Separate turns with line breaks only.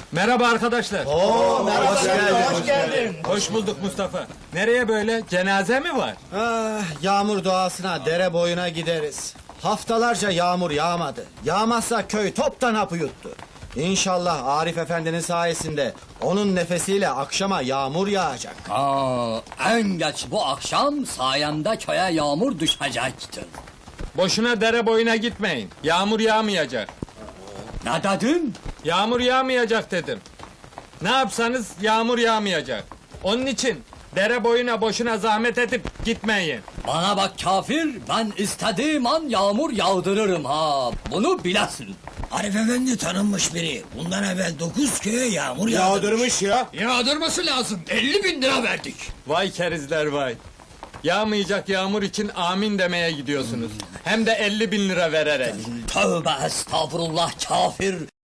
Merhaba arkadaşlar.
Merhaba, hoş geldin.
Hoş bulduk Mustafa. Nereye böyle? Cenaze mi var?
Yağmur doğasına, dere boyuna gideriz. Haftalarca yağmur yağmadı. Yağmazsa köy toptan hapı yuttu. İnşallah Arif Efendi'nin sayesinde onun nefesiyle akşama yağmur yağacak.
En geç bu akşam sayemde köye yağmur düşecektir.
Boşuna dere boyuna gitmeyin. Yağmur yağmayacak.
Ne dedin?
Yağmur yağmayacak dedim. Ne yapsanız yağmur yağmayacak. Onun için dere boyuna boşuna zahmet edip gitmeyin.
Bana bak kafir, ben istediğim an yağmur yağdırırım ha. Bunu bilesin.
Arif Efendi tanınmış biri. Bundan evvel 9 köye yağmur yağdırmış.
Yağdırması lazım. 50.000 lira verdik.
Vay kerizler vay. Yağmayacak yağmur için amin demeye gidiyorsunuz. Hem de 50.000 lira vererek.
Tövbe estağfurullah kafir.